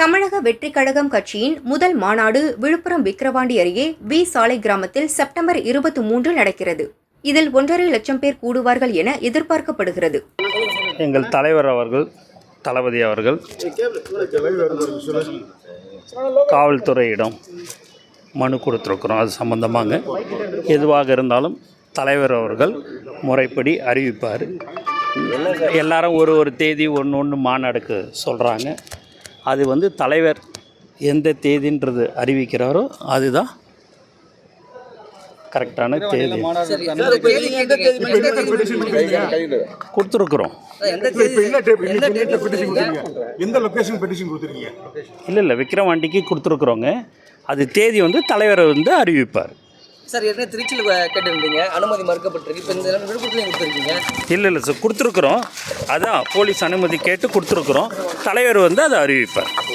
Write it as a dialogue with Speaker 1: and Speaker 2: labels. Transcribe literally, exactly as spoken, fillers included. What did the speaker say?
Speaker 1: தமிழக வெற்றிக் கழகம் கட்சியின் முதல் மாநாடு விழுப்புரம் விக்கிரவாண்டி அருகே வி சாலை கிராமத்தில் செப்டம்பர் இருபத்தி மூன்று நடக்கிறது. இதில் ஒன்றரை லட்சம் பேர் கூடுவார்கள் என எதிர்பார்க்கப்படுகிறது.
Speaker 2: எங்கள் தலைவர் அவர்கள் தளபதி அவர்கள் காவல்துறையிடம் மனு கொடுத்துருக்குறோம். அது சம்பந்தமாக எதுவாக இருந்தாலும் தலைவர் அவர்கள் முறைப்படி அறிவிப்பார். எல்லாரும் ஒரு ஒரு தேதி ஒன்று ஒன்று மாநாடுக்கு சொல்கிறாங்க. அது வந்து தலைவர் எந்த தேதின்றது அறிவிக்கிறாரோ அதுதான் கரெக்டான தேதி. கொடுத்துருக்குறோம். இல்லை இல்லை விக்கிரவாண்டிக்கு கொடுத்துருக்குறோங்க. அது தேதி வந்து தலைவர் வந்து அறிவிப்பார்.
Speaker 3: சார் ஏற்கனவே திருச்சியில் கேட்டுருந்தீங்க, அனுமதி மறுக்கப்பட்டிருக்கு. இப்போ இந்த விழுப்புரத்துலையும் கொடுத்துருக்கீங்க.
Speaker 2: இல்லை இல்லை சார் கொடுத்துருக்குறோம். அதான் போலீஸ் அனுமதி கேட்டு கொடுத்துருக்குறோம். தலைவர் வந்து அதை அறிவிப்பார்.